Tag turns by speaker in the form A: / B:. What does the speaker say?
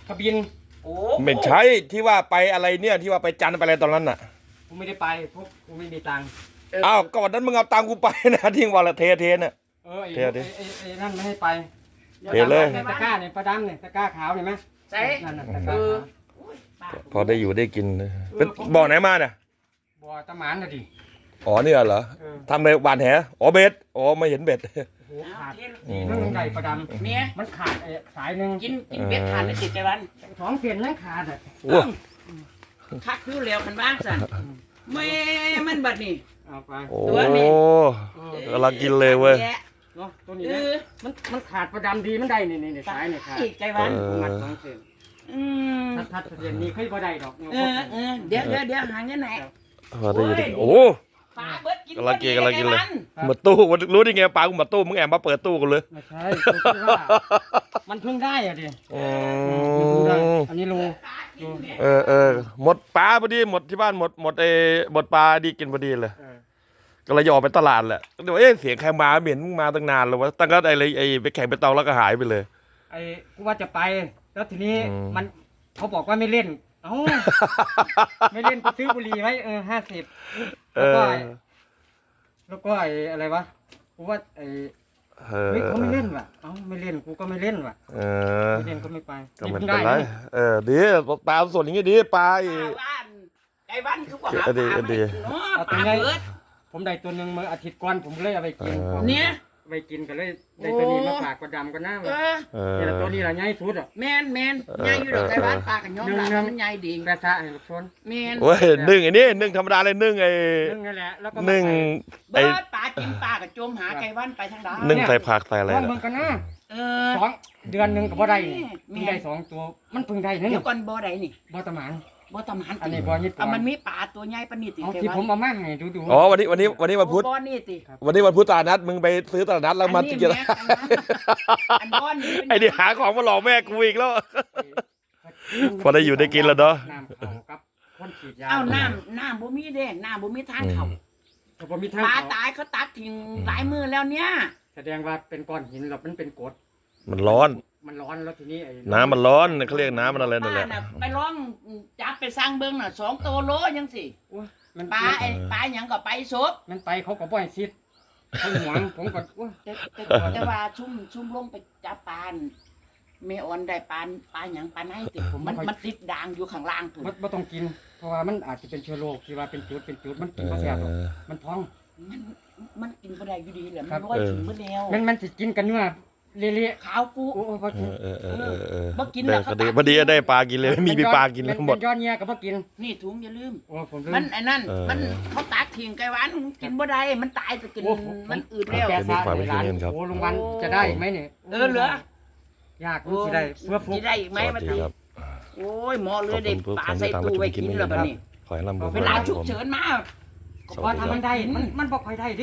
A: กระบิน
B: โอ้
C: ไม่ใช่ที่ว่าไปอะไรเนี่ยที่ว่าไปจันทร์ไปอะไรตอนนั้นน่ะ
A: กูไม่ได้ไปเพราะกูไม่มีตังค์
C: อ้าวก็วันนั้นมึงเอาตังค์กูไปนะที่วันละเทน่ะ
A: ไอ้
C: เดี๋ยวดิ
A: ไอ้นั่นไม่ให้ไป
C: เทเลย
A: ตะกร้าเนี่ยปลาดำเนี่ยตะกร้าขาวเห็นไหม
B: ใส่
A: นั่นน่ะตะกร้า
B: เออ
A: ขาว
B: โอ้ยป้า
C: พอได้อยู่ได้กินเป็นบ่อไหนมาเนี่ย
A: บ่อตะหมานน่ะดิ
C: อ๋อเนี่ยเหรอ
A: เออ
C: ทำอะไรหวานแหอ๋อเบ็ดอ๋อไม่เห็นเบ็ด
A: โอ้โหขาด
C: อืม
A: นั่นใหญ่ปลาด
B: เมีย
A: ำมันขาดไอ้สายหนึ่ง
B: กินเบ็ดทานได้ติดใจวัน
A: 2 เส้นยังขาดอ่ะ
C: โอ้
B: คักอยู่แล้วคันบ้างสันแม่มันบัดนี่
A: เอาไป
C: โอ้
B: ตัวนี้
C: กำลังกินเลยเว้ย
B: แะ
A: เนาะตัวนี้
B: เอ
A: นะ
B: อ
A: มันขาดปลาดำดีมันได้นี่สายเนี่ยขาด
B: อีกใจวัน
A: ผมมัด2 เส้น
B: อืม
A: ทัดเส้นนี้เคยบ่ได้ดอก
B: เดี๋ยวหาเงินไหน
C: พอได้อยู่ได้โอ้
B: ปลาเบิดกิน
C: กำลังกินกำลังกินเลย
B: ใจวั
C: หมดตู้รู้ได้ไงปลากูหมดตู้มึงแอบมาเปิดตู้กันเลย
A: ไม่ใช่กูคิดว่ามันเพิ่งได้อ่ะดิ
C: อื
A: มันเพิ่งได้
C: ม
A: อันนี้โล
C: เออหมดปลาพอดีหมดที่บ้านหมดหมดปลาดีกินพอดีเลย
A: เออ
C: ก็เลยออกไปตลาดแหละเดี๋ยวเสียงใครมาเหม็นมึงมาตั้งนานแล้ววะตั้งแต่ไอ้ไปแข่งไปตองแล้วก็หายไปเลย
A: ไอ้กูว่าจะไป แล้วทีนี้
C: อืม
A: มันเขาบอกว่าไม่เล่น เอ้า ไม่เล่นกูซื้อบุหรี่ไว้50
C: เอ
A: แล้วก็
C: อ
A: ไอ้อะไรวะกูว่าไอ้
C: เออ
A: เฮ้ยเขาไม่เล่นว่ะเอ้าไม่เล่นกูก็ไม่เล่นว่ะ
C: เออ
A: ไม่เล่นก็ไม่ไป
C: ก็ไม่
A: พิ่ง
C: เป็นไร
A: ด้
C: ดีปลาส่วนอย่างงี้ดีปลาอี
B: บ้านใจวันคือว่าหา
C: เออดี
B: ปลา
C: ดี
B: เนาะ
A: เอา
B: ป
A: ตัว
B: ลา
A: ไง
B: เบิด
A: ผมได้ตัวหนึ่งเมื่ออาทิตย์ก่อนผมเลยเอาไปกิน
B: เนี่ย
A: เอาไปกินก็เลยได้ตัวนี้มาฝากกระดำก็น่า
B: เอ
A: ว่ะ
B: อ
C: เออ
A: นี่แหละตัวนี้แหละใหญ่สุดอ่ะ
B: แมนใหญ่อยู่ดอกใจวันปลากันย้อมหลังมันใหญ่ดี
A: กระทะให้ลูกชน
B: แมน
C: โอ้ยนึ่งไอ้นี่นึ่งธรรมดาเลยนึ่งไอ้
A: นึ่งนั่นแหละแล้วก็
C: นึ่ง
B: เบิดปลากินปลากับจมหาใจวันไปทางใด
C: นึ่งใส่ผักใส่อะไร
A: ลอง
C: น่ะ
A: เบิ่งกันนะ
B: เออ
A: 2 เดือนหนึงก็บ่ได้นี่
B: แม่
A: เพิ่งได้2 ตัวมันเพิ่งได้นั่น
B: เดี๋ยวก่อนบ่อใดนี่
A: บ่ตะหมาน
B: บ่ตำหัน
A: อันนี้บ่ญี่ปุ่น
B: มันมีปลาตัวใหญ่ปานนี้ติ
A: เอา
B: ใจ
A: ที่
B: วั
A: ผมเอามาให้ดู
C: อ๋อวันนี้วันพุธ
B: บ่อนี่ติ
C: วันนี้วันพุธตลาดนัดมึงไปซื้อตลาดนัดแล้วมา
B: อันนี้
C: กิน
B: แม่อันบ่อนี่
C: ไอ้นี่หาของมาหลอกแม่กูอีกแล้ว พอได้อยู่ได้กินแล้วเนาะ
A: น้ำเขากับคนฉีดยา
B: เอ้าน้ำบ่มีเด้น้ำบ่มีทางเข้า
A: แต่ผมมีทาง
B: ปลา
A: เขา
B: ตายเขาตักทิ้งหลายมื้อแล้วเนี่ย
A: แสดงว่าเป็นก้อนหินหรอกมันเป็นกรด
C: มันร้อน
A: มันร้อนแล้วทีนี้ไอ้
C: น้ำมันร้อนเขาเรียกน้ำมันอะไรนั่นแหละ
B: ป้าไปลองจับไปสร้างเบิ่งน่ะ2โตโลยังสิ
A: โอ้ยมัน
B: ปลาไอ้ปลาหยังก็ไปซบ
A: มันไปเขาก็บ่ให้ซิดเขาหวงผมก็โอ้ย
B: แต่ว่าชุ่มลงไปจับปลาแม่ออนได้ปลาหยังปลาไหนติมันติดด่างอยู่ข้างล่างพุ่น
A: บ่ต้องกิน เพราะว่ามันอาจจะเป็นเชื้อโรคที่ว่าเป็นจุดมันกินบ่แซ่บหรอกมันท้อง
B: มันกินบ่ได้อยู่ดีแหละ
A: ครั
B: มัน
A: บ
B: ร้อยถึงมื้อแล้ว
A: มันสิกินกันเนื้อเละ
B: ขาวกู
A: ๆโอ้ยบ่กิน
B: บ่กินแล้วเขา
C: พอดีได้ปลากินเลยไม่มีปลากินแล้วหมด
A: เป็นยอดเงี้ยก็บ่กิน
B: นี่ถุงอย่าลืม
A: โอ้ผมลื
B: มันไอ้นั่น
C: เออ
B: มันเขาตักทิ้งไกหวานกินบ่ได้มันตายจะกิน
A: โอ้ผม
B: มันอืดแล้ว
A: แก
C: เดี๋ยวมีฝากไว้ที่นี่ครับ
A: โอ้ลุงวันจะได้ไหมเนี่ย
B: เหลือย
A: ากรู้สิได้เพื่อฟุก
B: สิได้อีกไหม
C: สวั
B: มั
C: ส
B: น
C: ดีครับ
B: โอ้ยหมอเล
C: ขอย บ
B: ได้
C: คุณผู้
B: ปลา
C: ฟัง
B: ใส่
C: ที่ตาม
B: ตู้
C: มาชม
B: ไว้
C: คลิป
B: กิน
C: นี้
B: แล้ว
C: นะ
B: บัด
C: ครับ
B: นี้
C: ขอให้ร่ำรวย
B: เวลาฉุก
C: ผม
B: เฉินมา
C: สวัสดีครับ
A: พอทำมันได้มันบอกใครได้ดิ